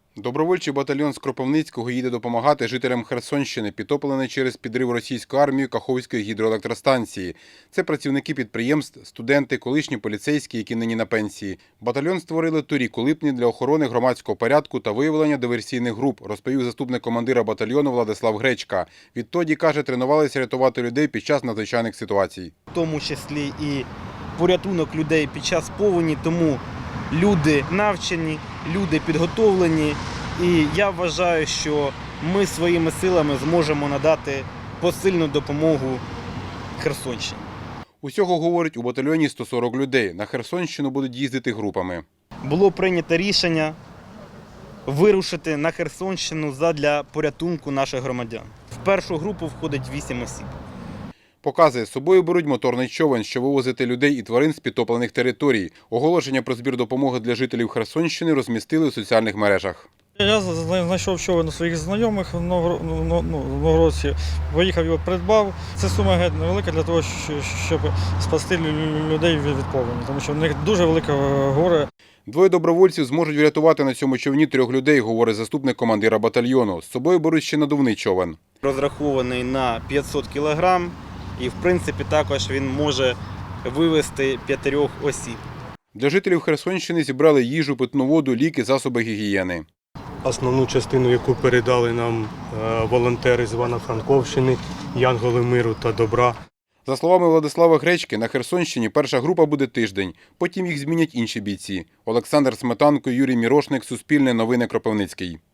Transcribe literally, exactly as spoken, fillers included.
Добровольчий батальйон з Кропивницького їде допомагати жителям Херсонщини, підтопленої через підрив російською армією Каховської гідроелектростанції. Це працівники підприємств, студенти, колишні поліцейські, які нині на пенсії. Батальйон створили торік у липні для охорони громадського порядку та виявлення диверсійних груп, розповів заступник командира батальйону Владислав Гречка. Відтоді, каже, тренувалися рятувати людей під час надзвичайних ситуацій. В тому числі і порятунок людей під час повені, тому люди навчені, люди підготовлені, і я вважаю, що ми своїми силами зможемо надати посильну допомогу Херсонщині. Усього, говорить, у батальйоні сто сорок людей. На Херсонщину будуть їздити групами. Було прийнято рішення вирушити на Херсонщину задля порятунку наших громадян. В першу групу входить вісім осіб. Показує, з собою беруть моторний човен, що вивозити людей і тварин з підтоплених територій. Оголошення про збір допомоги для жителів Херсонщини розмістили у соціальних мережах. Я знайшов човен у своїх знайомих в Новгородці, поїхав його придбав. Це сума геть невелика для того, щоб спасти людей від повені, тому що в них дуже велике горе. Двоє добровольців зможуть врятувати на цьому човні трьох людей, говорить заступник командира батальйону. З собою беруть ще надувний човен. Розрахований на п'ятсот кілограм і, в принципі, також він може вивезти п'ятьох осіб. Для жителів Херсонщини зібрали їжу, питну воду, ліки, засоби гігієни. Основну частину, яку передали нам волонтери з Івано-Франковщини, Янголи миру та добра. За словами Владислава Гречки, на Херсонщині перша група буде тиждень, потім їх змінять інші бійці. Олександр Сметанко, Юрій Мірошник, Суспільне новини, Кропивницький.